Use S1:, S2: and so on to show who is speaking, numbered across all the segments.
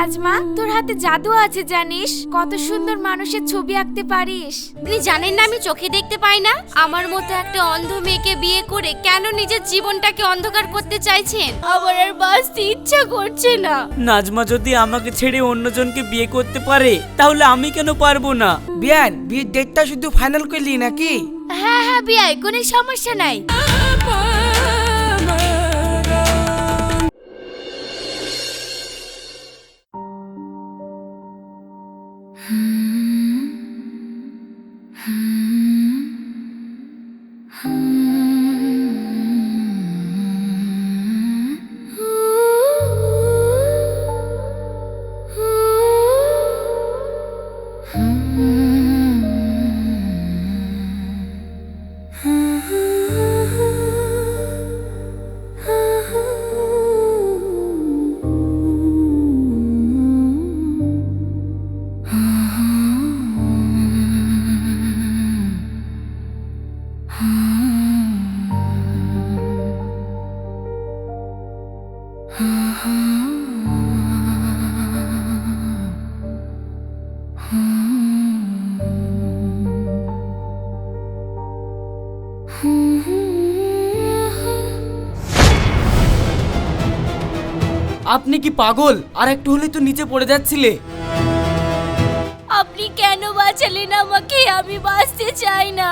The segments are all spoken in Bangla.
S1: নাজমা, তোর হাতে জাদু আছে জানিস? কত সুন্দর মানুষের ছবি আঁকতে পারিস।
S2: আপনি জানেন না আমি চোখে দেখতে পাই না? আমার মতো একটা অন্ধ মেয়েকে বিয়ে করে কেন নিজের জীবনটাকে অন্ধকার করতে চাইছেন? আমার আর বাঁচতে ইচ্ছা করছে না।
S3: নাজমা যদি আমাকে ছেড়ে অন্যজনকে বিয়ে করতে পারে তাহলে আমি কেন পারবো না?
S4: বিয়ান, বিয়ের ডেটটা শুধু ফাইনাল করলি নাকি?
S2: হ্যাঁ হ্যাঁ বিয়াই, কোনো সমস্যা নাই।
S3: আপনি কি পাগল? আর একটু হলে তো নিচে পড়ে যাচ্ছিলে।
S2: আপনি কেন বাঁচালেন আমাকে? আমি বাঁচতে চাই না।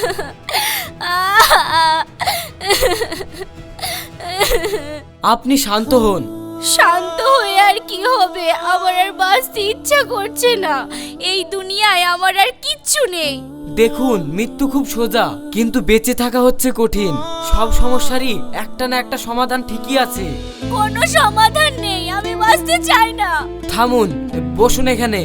S3: আপনি শান্ত হন।
S2: শান্ত হয়ে আর কি হবে? আমার আর বাঁচতে ইচ্ছা করছে না। এই দুনিয়ায় আমার আর কিচ্ছু নেই।
S3: দেখুন, মৃত্যু খুব সোজা, কিন্তু বেঁচে থাকা হচ্ছে কঠিন। সব সমস্যারই একটা না একটা সমাধান ঠিকই আছে।
S2: কোনো সমাধান নেই, আমি বাঁচতে চাই না।
S3: থামুন, বসুন এখানে।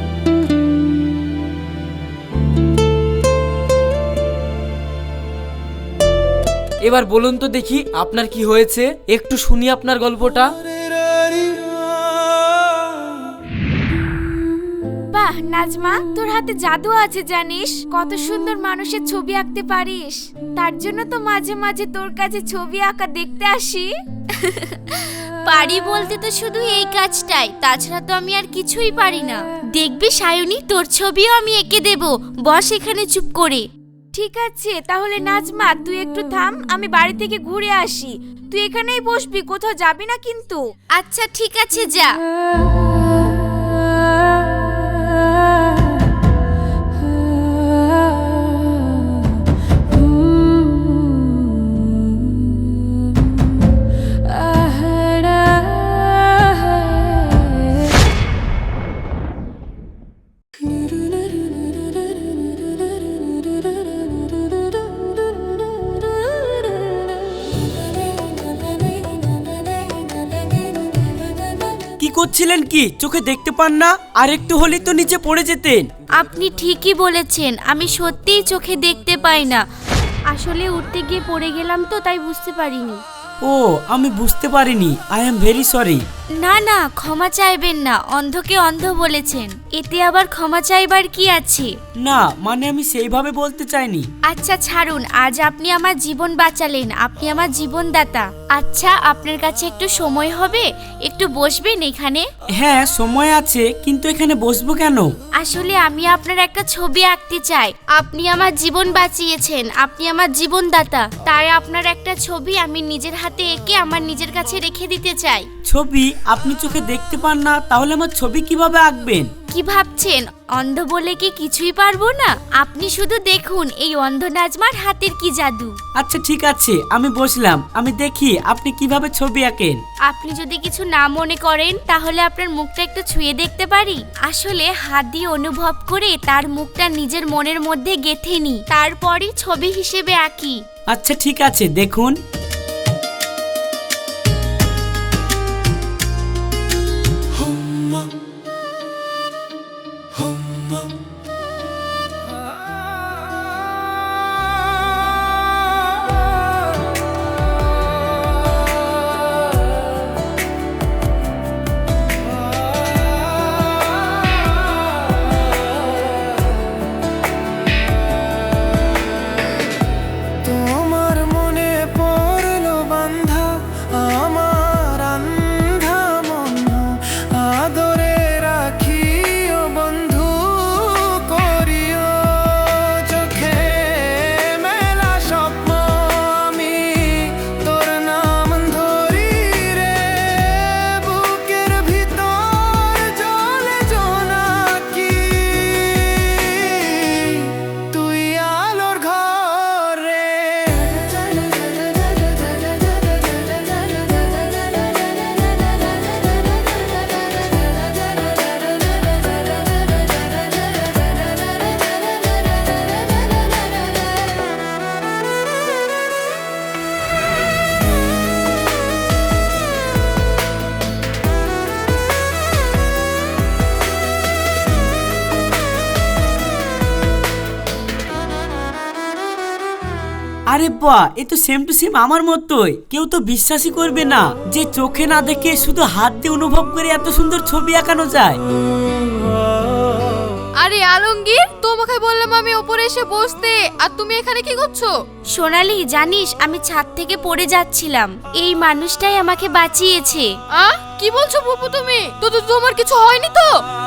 S3: এবার বলুন তো দেখি আপনার কি হয়েছে, একটু শুনি আপনার গল্পটা।
S1: বাহ নাজমা, তোর হাতে জাদু আছে জানিস? কত সুন্দর মানুষের ছবি আঁকতে পারিস। তার জন্য তো মাঝে মাঝে তোর কাছে ছবি আঁকা দেখতে আসি।
S2: পারি বলতে তো শুধু এই কাজটাই, তাছাড়া তো আমি আর কিছুই পারি না। দেখবি সায়নী, তোর ছবিও আমি এঁকে দেব। বস এখানে চুপ করে।
S1: ঠিক আছে, তাহলে নাজমা তুই একটু থাম, আমি বাড়ি থেকে ঘুরে আসি। তুই এখানেই বসবি, কোথাও যাবি না কিন্তু।
S2: আচ্ছা ঠিক আছে, যা।
S3: কি করছিলেন? কি চোখে দেখতে পান না? আর একটু হলেই তো নিচে পড়ে যেতেন।
S2: আপনি ঠিকই বলেছেন, আমি সত্যিই চোখে দেখতে পাই না। আসলে উঠতে গিয়ে পড়ে গেলাম তো, তাই বুঝতে পারিনি।
S3: ও, আমি বুঝতে পারিনি। I am very sorry.
S2: না না, ক্ষমা চাইবেন না। অন্ধকে অন্ধ বলেছেন, এতে আবার ক্ষমা চাইবার কি আছে?
S3: না, মানে আমি সেইভাবে বলতে চাইনি।
S2: আচ্ছা ছাড়ুন, আজ আপনি আমার জীবন বাঁচালেন, আপনি আমার জীবনদাতা। আচ্ছা, আপনার কাছে একটু সময় হবে? একটু বসবেন এখানে?
S3: হ্যাঁ, সময় আছে, কিন্তু এখানে বসবো কেন?
S2: আসলে আমি আপনার একটা ছবি আঁকতে চাই। আপনি আমার জীবন বাঁচিয়েছেন, আপনি আমার জীবনদাতা, তাই আপনার একটা ছবি আমি নিজের হাতে এঁকে আমার নিজের কাছে রেখে দিতে চাই।
S3: ছবি? আপনি চোখে দেখতে পান না, তাহলে আমার ছবি কিভাবে আঁকবেন?
S2: কি ভাবছেন অন্ধ বলে কি কিছুই পারবো না? আপনি শুধু দেখুন এই অন্ধ নাজমার হাতের কি জাদু।
S3: আচ্ছা ঠিক আছে, আমি বসলাম, আমি দেখি আপনি কিভাবে ছবি আঁকেন।
S2: আপনি যদি কিছু না মনে করেন তাহলে আপনার মুখটা একটু ছুঁয়ে দেখতে পারি? আসলে হাত দিয়ে অনুভব করে তার মুখটা নিজের মনের মধ্যে গেঁথে নিই, তারপরই ছবি হিসেবে আঁকি।
S3: আচ্ছা ঠিক আছে, দেখুন।
S4: তোমার মনে পড়ে
S5: আরে বাহ, এ তো সেম টু সেম আমার মতোই। কেউ তো বিশ্বাসই করবে না যে চোখে না দেখে শুধু হাত দিয়ে অনুভব করে এত সুন্দর ছবি আঁকানো যায়।
S1: আরে আলমগীর, তোমাকে বললাম আমি উপরে এসে বসতে, আর তুমি এখানে কি করছো?
S2: সোনালি জানিস আমি ছাদ থেকে পড়ে যাচ্ছিলাম, এই মানুষটাই আমাকে বাঁচিয়েছে।
S1: কি বলছো ফুপু তুমি? তো তোমার কিছু হয়নি তো?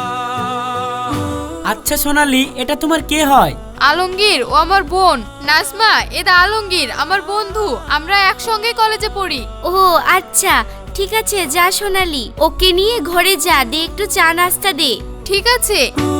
S5: আচ্ছা সোনালি, এটা তোমার কে হয়?
S1: আলমগীর ও আমার বোন। নাজমা, এদা আলমগীর আমার বন্ধু, আমরা একসঙ্গে কলেজে পড়ি।
S2: ও আচ্ছা, ঠিক আছে, যা সোনালি, ওকে নিয়ে ঘরে যা, দে একটু চা নাস্তা দে।
S1: ঠিক আছে।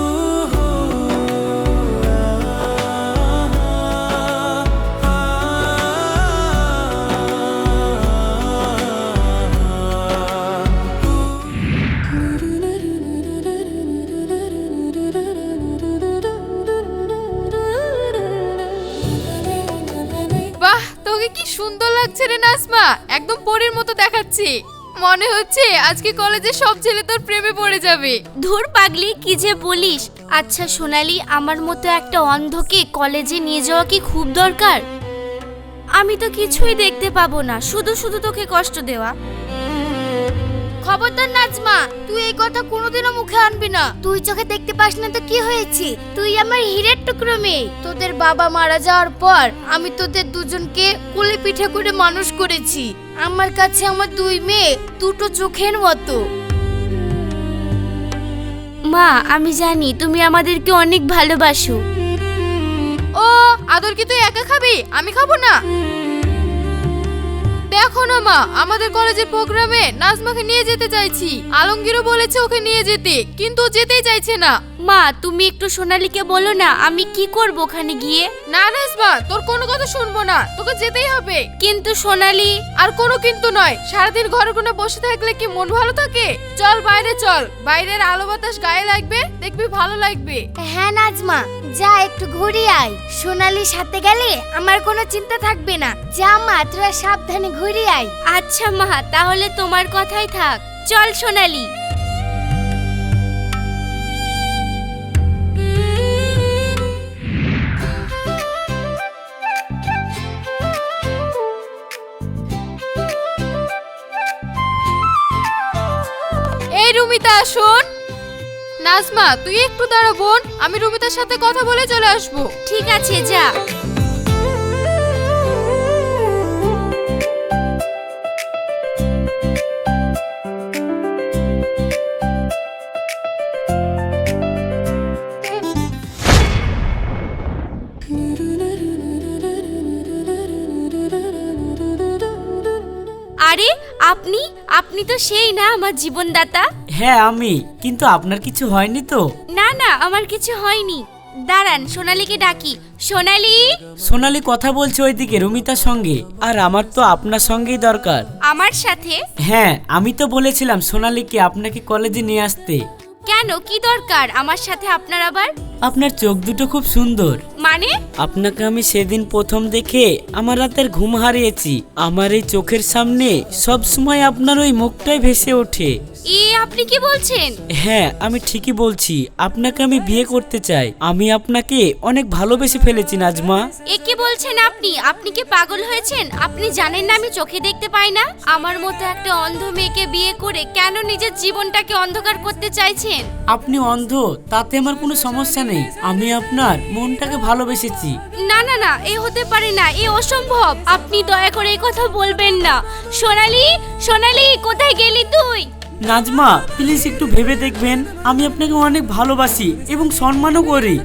S1: বাহ, তোকে কি সুন্দর লাগছে রে নাজমা, একদম পরীর মতো দেখাচ্ছি। মনে হচ্ছে আজকে কলেজে সব ছেলে তোর প্রেমে পড়ে যাবে।
S2: ধুর পাগলি, কি যে বলিস। আচ্ছা সোনালি, আমার মতো একটা অন্ধকে কলেজে নিয়ে যাওয়া কি খুব দরকার? আমি তো কিছুই দেখতে পাবো না, শুধু শুধু তোকে কষ্ট দেওয়া।
S1: খবরদার নাজমা, তুই এই কথা কোনোদিনও মুখে আনবি না। তুই চোখে দেখতে পাস না তো কি হয়েছে? তুই আমার হীরের টুকরো মেয়ে। তোদের বাবা মারা যাওয়ার পর আমি তোদের দুজনকে কোলে পিঠে করে মানুষ করেছি। আমার কাছে আমার দুই মেয়ে দুটো চোখের মতো।
S2: মা, আমি জানি তুমি আমাদেরকে অনেক ভালোবাসো।
S1: ও আদর কি তুই একা খাবি? আমি খাবো না? দেখো না মা, আমাদের কলেজের প্রোগ্রামে নাজমাকে নিয়ে যেতে চাইছি। আলমগীরও বলেছে ওকে নিয়ে যেতে, কিন্তু ও যেতেই চাইছে না।
S2: মা, তুমি একটু সোনালীকে বলো না, আমি কি করব ওখানে গিয়ে।
S1: না নাজমা, তোর কোনো কথা শুনবো না, তোকে যেতেই হবে।
S2: কিন্তু সোনালী।
S1: আর কোনো কিন্তু নয়, সারাদিন ঘরে কোণে বসে থাকলে কি মন ভালো থাকে? চল বাইরে চল, বাইরের আলো বাতাস গায়ে লাগবে, দেখবি ভালো লাগবে।
S6: হ্যাঁ নাজমা, যা একটু ঘুরে আয়। সোনালির সাথে গেলে আমার কোনো চিন্তা থাকবে না। যা মা, তোরা সাবধানে ঘুরে আয়।
S2: আচ্ছা মা, তাহলে তোমার কথাই থাক। চল সোনালী।
S1: এই রুমিতা, শোন। নাজমা, তুই একটু দাঁড়া বোন, আমি রুমিতার সাথে কথা বলে চলে আসবো।
S2: ঠিক আছে, যা। আরে আপনি আপনি তো সেই না আমার জীবনদাতা?
S5: হ্যাঁ আমি, কিন্তু আপনার কিছু হয়নি তো?
S2: না না, আমার কিছু হয়নি। দাঁড়ান, সোনালীকে ডাকি। সোনালী।
S5: সোনালি কথা বলছে ওইদিকে রুমিতার সঙ্গে, আর আমার তো আপনার সঙ্গেই দরকার।
S2: আমার সাথে?
S5: হ্যাঁ, আমি তো বলেছিলাম সোনালিকে আপনাকে কলেজে নিয়ে আসতে।
S2: কেন, কি দরকার আমার সাথে আপনার আবার?
S5: আপনার চোখ দুটো খুব সুন্দর।
S2: মানে?
S5: আপনাকে আমি সেদিন প্রথম দেখে আমার রাতের ঘুম হারিয়েছি। আমার এই চোখের সামনে সব সময় আপনার ওই মুখটাই ভেসে ওঠে।
S2: আপনি কি বলছেন?
S5: হ্যাঁ, আমি ঠিকই বলছি। আপনাকে আমি বিয়ে করতে চাই। আমি আপনাকে অনেক ভালোবেসে ফেলেছি নাজমা।
S2: কি বলছেন আপনি? আপনি কি পাগল হয়েছেন? আপনি জানেন না আমি চোখে দেখতে পাই না? আমার মতো একটা অন্ধ মেয়েকে বিয়ে করে কেন নিজের জীবনটাকে অন্ধকার করতে চাইছেন?
S5: আপনি অন্ধ, তাতে আমার কোনো সমস্যা নেই। আমি আপনার মনটাকে ভালোবেসেছি।
S2: না না না, এ হতে পারে না, এ অসম্ভব। আপনি দয়া করে এই কথা বলবেন না। সোনালী, সোনালী, কোথায় গেলি তুই?
S5: নাজমা প্লিজ একটু ভেবে দেখবেন। আমি আপনাকে অনেক ভালোবাসি এবং সম্মানও করি।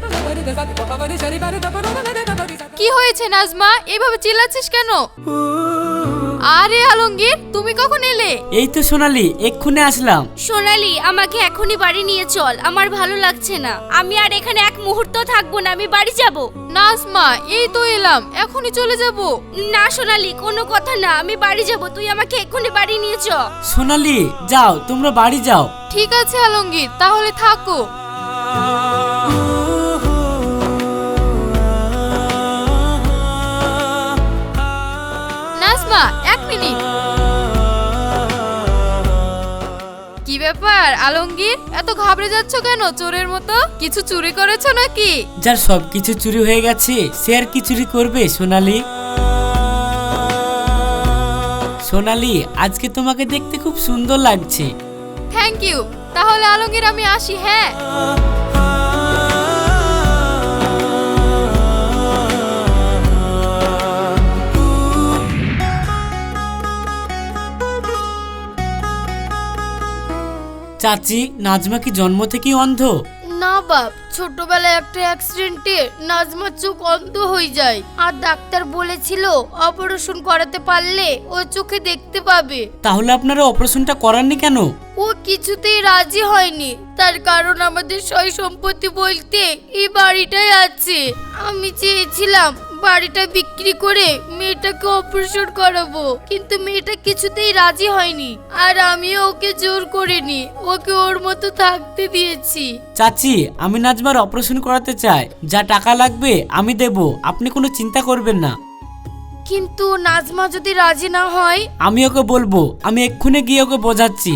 S1: কি হয়েছে নাজমা, এভাবে চিল্লাচ্ছিস কেন? আরে আলমগীর, তুমি কখন এলে?
S5: এই তো সোনালি, এক্ষুনি আসলাম।
S2: সোনালী, আমাকে এখনই বাড়ি নিয়ে চল, আমার ভালো লাগছে না। আমি আর এখানে এক মুহূর্ত থাকবো না, আমি বাড়ি যাব।
S1: নাজমা, এই তো এলাম, এখনই চলে যাব।
S2: না সোনালী, কোনো কথা না, আমি বাড়ি যাব। তুই আমাকে এক্ষুনি বাড়ি নিয়ে চ।
S5: সোনালি যাও, তোমরা বাড়ি যাও।
S1: ঠিক আছে আলমগীর, তাহলে থাকো। নাজমা, এক মিনিট। কি ব্যাপার আলমগীর, এত ঘাবড়ে যাচ্ছ কেন চোরের মতো? কিছু চুরি করেছো নাকি?
S5: যার সবকিছু চুরি হয়ে গেছে সে আর কি চুরি করবে সোনালি? সোনালি, আজকে তোমাকে দেখতে খুব সুন্দর লাগছে।
S2: Thank you. তাহলে আলমগীর আমি আসি, হ্যাঁ।
S5: চাচি, নাজমা কি জন্ম থেকেই অন্ধ?
S1: না বাপ, ছোটবেলায় একটা অ্যাক্সিডেন্টে নাজমার চোখ অন্ধ হয়ে যায়, আর ডাক্তার বলেছিল অপারেশন করাতে পারলে ও চোখে দেখতে পাবে।
S5: তাহলে আপনারা অপারেশনটা করাননি কেন?
S1: ও কিছুতেই রাজি হয়নি, তার কারণ আমাদের সয় সম্পত্তি বলতে এই বাড়িটাই আছে। আমি চেয়েছিলাম বাড়িটা বিক্রি করে মেয়েটাকে অপারেশন করাবো, কিন্তু মেয়েটা কিছুতেই রাজি হয়নি, আর আমিও ওকে জোর করিনি, ওকে ওর মতো থাকতে দিয়েছি।
S5: চাচি, আমি নাজমার অপারেশন করাতে চাই, যা টাকা লাগবে আমি দেব, আপনি কোনো চিন্তা করবেন না।
S1: কিন্তু নাজমা যদি রাজি না হয়?
S5: আমি ওকে বলবো, আমি এক্ষুনি গিয়ে ওকে বোঝাচ্ছি।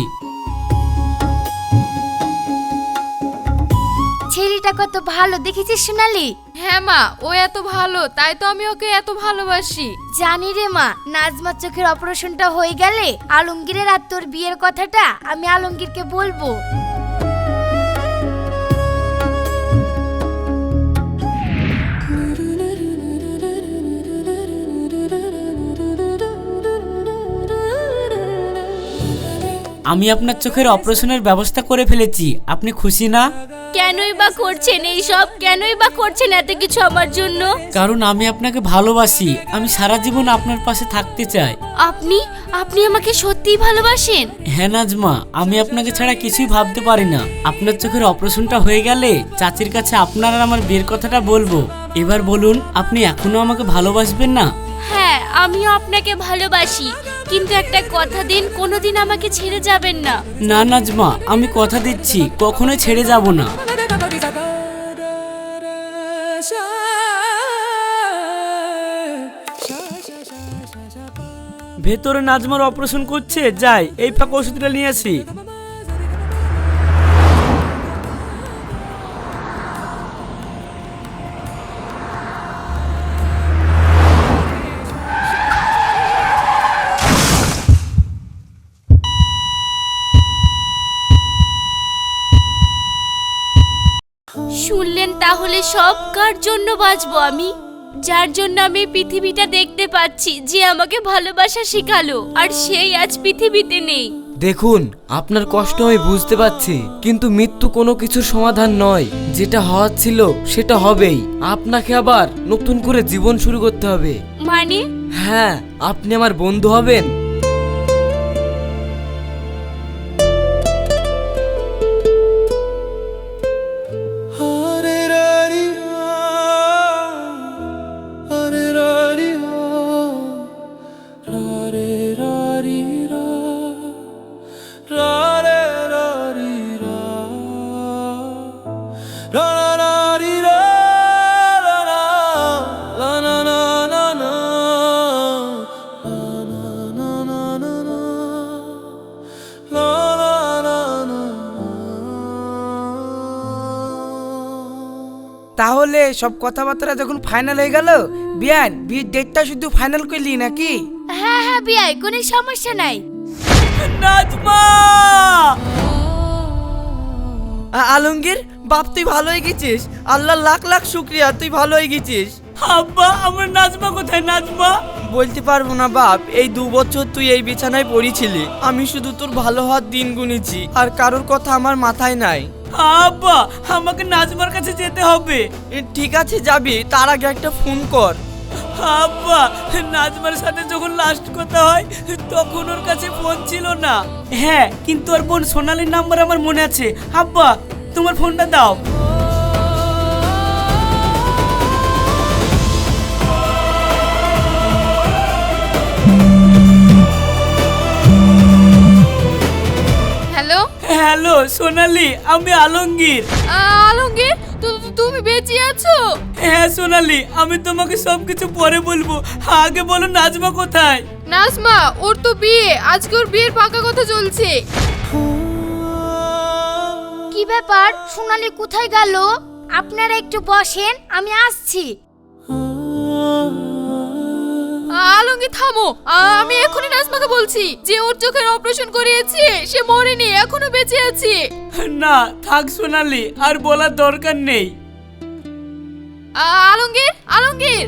S6: ছেলেটা কত ভালো দেখেছিস সোনালি?
S2: হ্যাঁ মা, ও এত ভালো, তাই তো আমি ওকে এত ভালোবাসি।
S6: জানি রে মা, নাজমার চোখের অপারেশনটা হয়ে গেলে আলমগীরের আর তোর বিয়ের কথাটা আমি আলমগীরকে বলবো।
S5: আমি আপনার চোখের অপারেশনের ব্যবস্থা করে ফেলেছি, আপনি খুশি না?
S2: কেনই বা করছেন এই সব? কেনই বা করছেন এত কিছু আমার জন্য?
S5: কারণ আমি আপনাকে ভালোবাসি, আমি সারা জীবন আপনার পাশে থাকতে চাই।
S2: আপনি আপনি আমাকে সত্যিই ভালোবাসেন?
S5: হ্যাঁ নাজমা, আমি আপনাকে ছাড়া কিছুই ভাবতে পারি না। আপনার চোখের অপারেশনটা হয়ে গেলে চাচির কাছে আপনার আর আমার বিয়ের কথাটা বলবো। এবার বলুন, আপনি এখনো আমাকে ভালোবাসবেন না?
S2: হ্যাঁ, আমিও আপনাকে ভালোবাসি, কিন্তু একটা কথা দিন, কোনোদিন আমাকে ছেড়ে যাবেন না।
S5: না নাজমা, আমি কথা দিচ্ছি কখনোই ছেড়ে যাব না। ভেতরে নাজমার অপারেশন করছে, যাই এই ফাঁকা ওষুধটা নিয়ে আসি।
S2: শুনলেন তাহলে সব কার জন্য বাঁচবো আমি? যার জন্য আমি পৃথিবীটা দেখতে পাচ্ছি, যে আমাকে ভালোবাসা শেখালো, আর সেই আজ পৃথিবীতে নেই।
S3: দেখুন, আপনার কষ্ট আমি বুঝতে পারছি, কিন্তু মৃত্যু কোনো কিছুর সমাধান নয়। যেটা হওয়ার ছিল সেটা হবেই, আপনাকে আবার নতুন করে জীবন শুরু করতে হবে।
S2: মানে?
S3: হ্যাঁ, আপনি আমার বন্ধু হবেন।
S4: তাহলে সব কথাবার্তা যখন ফাইনাল হয়ে গেল, বিয়ান বিয়ের ডেটটা শুধু ফাইনাল করলি নাকি?
S1: হ্যাঁ হ্যাঁ বিয়াই, কোনো সমস্যা নাই।
S5: নাজমা!
S7: আলমগীর বাপ, তুই ভালো হয়ে গেছিস, আল্লাহ লাখ লাখ শুক্রিয়া, তুই ভালো হয়ে গেছিস।
S5: আব্বা, আমার নাজমা কোথায়? নাজমা?
S7: বলতে পারবো না বাপ, এই 2 বছর তুই এই বিছানায় পড়েছিলি, আমি শুধু তোর ভালো হওয়ার দিন গুনেছি, আর কারোর কথা আমার মাথায় নাই।
S5: আব্বা, আমাকে নাজমার কাছে যেতে হবে।
S7: ঠিক আছে যাবি, তার আগে একটা ফোন কর।
S5: আব্বা, নাজমার সাথে যখন লাস্ট কথা হয় তখন ওর কাছে ফোন ছিল না। হ্যাঁ, কিন্তু ওর বোন সোনালির নাম্বার আমার মনে আছে। আব্বা, তোমার ফোনটা দাও।
S2: হ্যালো
S5: হ্যালো সোনালি, আমি আলমগীর।
S2: আলমগীর, তুমি বেঁচে আছো?
S5: হ্যাঁ সোনালি, আমি তোমাকে সবকিছু পরে বলবো, আগে বলো নাজমা কোথায়?
S2: নাজমা, ওর তো বিয়ে, আজকে ওর বিয়ের পাকা কথা চলছে।
S6: কি ব্যাপার, সোনালি কোথায় গেল? আপনারা একটু বসেন, আমি আসছি।
S2: আলমগীর থামো, আমি এখনই নাজমাকে বলছি যে ওর চোখের অপারেশন করিয়েছি, সে মরেনি, এখনো বেঁচে আছে।
S5: না থাক সোনালি, আর বলার দরকার নেই।
S2: আলমগীর, আলমগীর।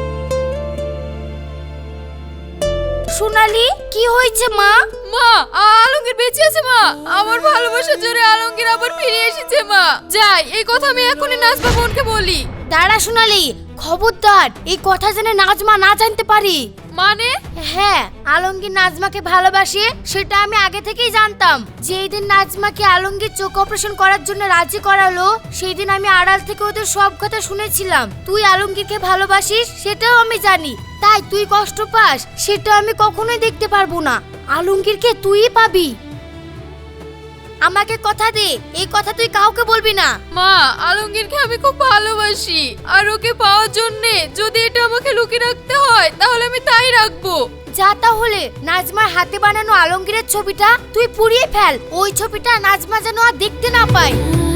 S1: সোনালি, কি হয়েছে মা?
S2: মা, আলমগীর বেঁচে আছে মা। আমার ভালোবাসার জোরে আলমগীর আবার ফিরে এসেছে মা। যাই, এই কথা আমি এখনই নাজমা বোনকে বলি।
S1: দাঁড়া সোনালি, খবরদার এই কথা জেনে নাজমা না জানতে পারি।
S2: মানে?
S1: হ্যাঁ, আলমগীর নাজমাকে ভালোবাসে সেটা আমি আগে থেকেই জানতাম। যেই দিন নাজমাকে আলমগীর চোখ অপারেশন করার জন্য রাজি করালো, সেই দিন আমি আড়াল থেকে ওদের সব কথা শুনেছিলাম। তুই আলমগীরকে ভালোবাসিস সেটাও আমি জানি, তাই তুই কষ্ট পাস সেটা আমি কখনোই দেখতে পারবো না। আলমগীরকে তুই পাবি, আমাকে কথা দে, এই কথা তুই কাউকে বলবি না।
S2: মা, আলমগীরকে আমি খুব ভালোবাসি, আর ওকে পাওয়ার জন্য যদি এটা আমাকে লুকিয়ে রাখতে হয় তাহলে আমি তাই রাখবো।
S1: যা তাহলে নাজমার হাতে বানানো আলমগীরের ছবিটা তুই পুড়িয়ে ফেল, ওই ছবিটা নাজমা যেন আর দেখতে না পায়।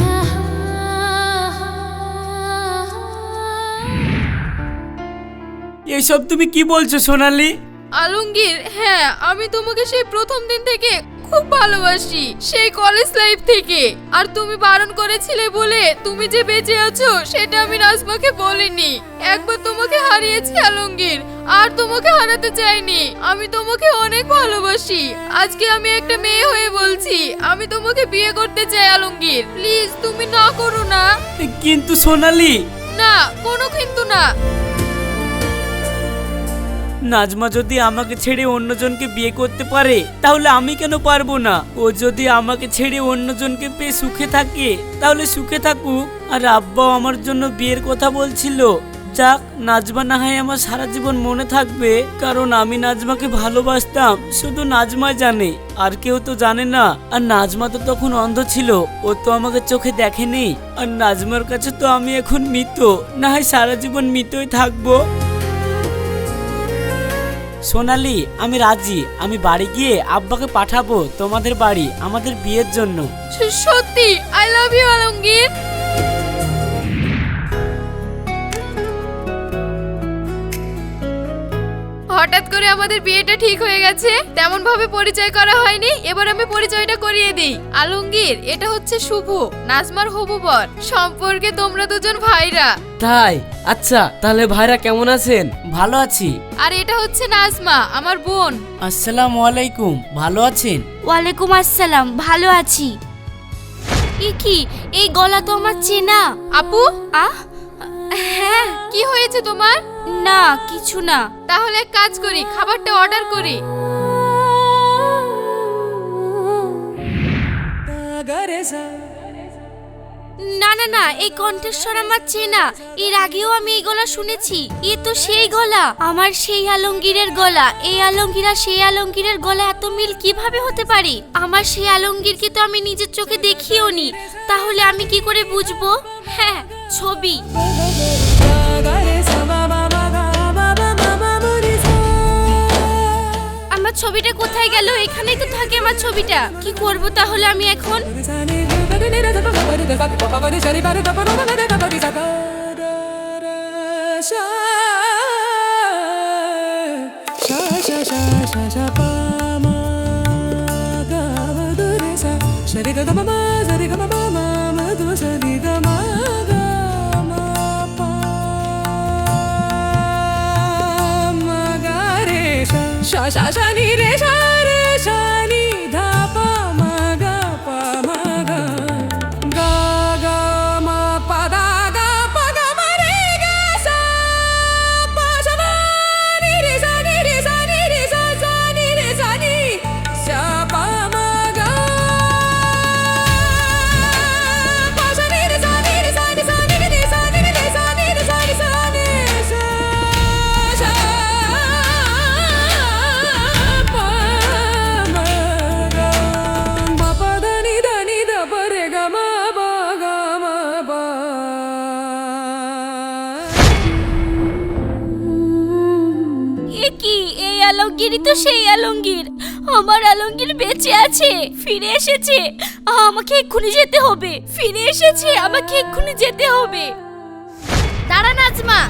S5: এসব তুমি কি বলছো সোনালি?
S2: আলমগীর, হ্যাঁ, আমি তোমাকে সেই প্রথম দিন থেকে খুব ভালোবাসি, সেই কলেজ লাইফ থেকে। আর তুমি বারণ করেছিলে বলে তুমি যে বেঁচে আছো সেটা আমি নাজমাকে বলিনি। একবার তোমাকে হারিয়েছি আলমগীর, আর তোমাকে হারাতে চাইনি। আমি তোমাকে অনেক ভালোবাসি। আজকে আমি একটা মেয়ে হয়ে বলছি, আমি তোমাকে বিয়ে করতে চাই আলমগীর। প্লিজ তুমি না করো না।
S5: কিন্তু সোনালি।
S2: না, কোনো কিন্তু না।
S5: নাজমা যদি আমাকে ছেড়ে অন্যজনকে বিয়ে করতে পারে তাহলে আমি কেন পারবো না? ও যদি আমাকে ছেড়ে অন্যজনকে পেয়ে সুখে থাকে তাহলে সুখে থাকুক। আর আব্বাও আমার জন্য বিয়ের কথা বলছিল। যাক, নাজমা না হয় আমার সারা জীবন মনে থাকবে, কারণ আমি নাজমাকে ভালোবাসতাম, শুধু নাজমাই জানে, আর কেউ তো জানে না। আর নাজমা তো তখন অন্ধ ছিল, ও তো আমাকে চোখে দেখেনি। আর নাজমার কাছে তো আমি এখন মৃত, না হয় সারা জীবন মৃতই থাকবো। সোনালি, আমি রাজি। আমি বাড়ি গিয়ে আব্বাকে পাঠাবো তোমাদের বাড়ি আমাদের বিয়ের জন্য।
S2: সত্যি? I love you Alamgir. হঠাৎ করে আমাদের বিয়েটা ঠিক হয়ে গেছে, তেমন ভাবে পরিচয় করা হয়নি। এবার আমি পরিচয়টা করিয়ে দিই। আলমগীর, এটা হচ্ছে শুভ, নাজমার হবু বর। সম্পর্কে তোমরা দুজন ভাইরা।
S3: তাই? আচ্ছা, তাহলে ভাইরা কেমন আছেন?
S5: ভালো আছি।
S2: আর এটা হচ্ছে নাজমা, আমার বোন।
S5: আসসালামু আলাইকুম, ভালো আছেন?
S2: ওয়ালাইকুম আসসালাম, ভালো আছি। কি এই গলা তো আমার চেনা। আপু? হ্যাঁ, কি হয়েছে তোমার? না, কিছু না। তাহলে এক কাজ করি, খাবারটা অর্ডার করি। না না না, এই কণ্ঠস্বর আমার চেনা। এর আগেও আমি এই গলা শুনেছি। এ তো সেই গলা, আমার সেই আলমগীরের গলা। এই আলমগীর আর সেই আলমগীরের গলা এত মিল কিভাবে হতে পারে? আমার সেই আলমগীরকে তো আমি নিজের চোখে দেখিও নি, তাহলে আমি কি করে বুঝবো? হ্যাঁ, ছবি। আমার ছবিটা কোথায় গেল? এখানেই তো থাকে আমার ছবিটা। কি করব তাহলে আমি এখন? আলমগীরই তো সেই আলমগীর। আমার আলমগীর বেঁচে আছে, ফিরে এসেছে। আমাকে এক্ষুনি যেতে হবে। ফিরে এসেছে, আমাকে এক্ষুনি যেতে হবে।
S1: দাঁড়া নাজমা,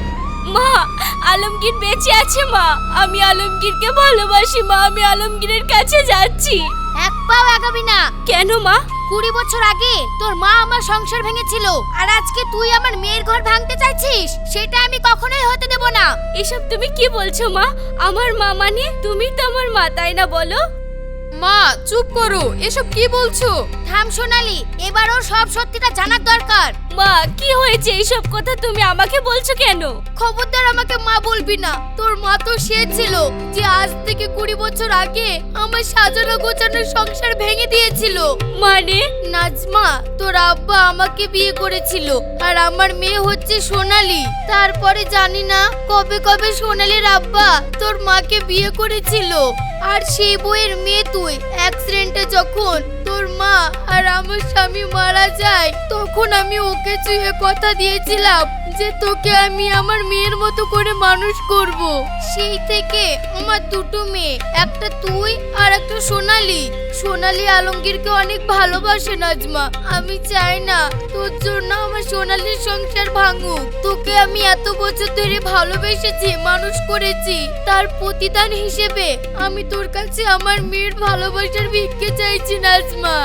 S2: মা, আলমগীর বেঁচে আছে মা। আমি আলমগীরকে ভালোবাসি মা। আমি আলমগীরের কাছে যাচ্ছি।
S1: এক পাও আগাবি না।
S2: কেন মা?
S1: 20 বছর আগে তোর মা আমার সংসার ভেঙেছিল, আর আজকে তুই আমার মেয়ের ঘর ভাঙতে চাইছিস? সেটা আমি কখনোই হতে দেব না।
S2: এসব তুমি কি বলছো মা? আমার মা মানে তুমি তো আমার মা, তাই না বলো?
S1: মা চুপ করো, এসব কি বলছো? থাম সোনালি, এবার ওর সব সত্যিটা জানার দরকার।
S2: মা, কি হয়েছে? এইসব কথা তুমি আমাকে বলছো কেন?
S1: খবরদার আমাকে মা বলবি না। তোর মা তো সে ছিল যে আজ থেকে 20 বছর আগে আমার সাজানো গোছানো সংসার ভেঙে দিয়েছিল।
S2: মানে?
S1: নাজমা, তোর আব্বা আমাকে বিয়ে করেছিল, আর আমার মেয়ে হচ্ছে সোনালি। তারপরে জানি না কবে কবে সোনালির আব্বা তোর মাকে বিয়ে করেছিল, আর সেই বইয়ের মেয়ে তুই। অ্যাক্সিডেন্টে যখন তোর মা আর আমার স্বামী মারা যায়, তখন আমি ওকে ছুঁয়ে কথা দিয়েছিলাম যে তোকে আমি আমার মেয়ের মতো করে মানুষ করব। সেই থেকে আমার দুটো মেয়ে, একটা তুই আর একটা সোনালি। সোনালি আলমগীরকে অনেক ভালোবাসে নাজমা। আমি চাই না তোর জন্য আমার সোনালির সংসার ভাঙুক। তোকে আমি এত বছর ধরে ভালোবেসেছি, মানুষ করেছি, তার প্রতিদান হিসেবে আমি তোর কাছে আমার মেয়ের ভালোবাসার ভিক্ষে চাইছি নাজমা।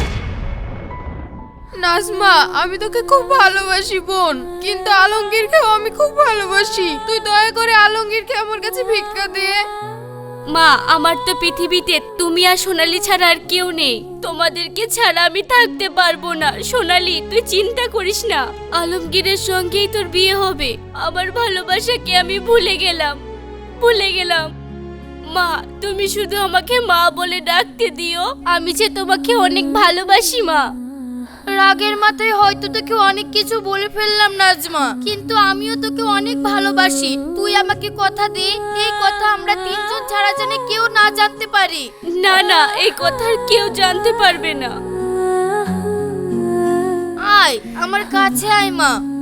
S8: নাজমা, আমি তোকে খুব ভালোবাসি বোন, কিন্তু আলমগীরকেও আমি খুব ভালোবাসি। তুই দয়া করে আলমগীরকে আমার কাছে ভিক্ষা দে।
S2: মা, আমার তো পৃথিবীতে তুমি আর সোনালি ছাড়া আর কেউ নেই। তোমাদেরকে ছাড়া আমি থাকতে পারবো না। সোনালি, তুই চিন্তা করিস না, আলমগীরের সঙ্গেই তোর বিয়ে হবে। আমার ভালোবাসাকে আমি ভুলে গেলাম। মা, তুমি শুধু আমাকে মা বলে ডাকতে দিও। আমি যে তোমাকে অনেক ভালোবাসি মা।
S1: রাগের মাথায় হয়তো তোকে অনেক কিছু বলে ফেললাম নাজমা, কিন্তু আমিও তোকে অনেক ভালোবাসি। তুই আমাকে কথা দে, এই কথা আমরা তিনজন ছাড়া যেন কেউ না জানতে পারি।
S2: না না, এই কথা আর কেউ জানতে পারবে না।
S1: আয় আমার কাছে আয় মা।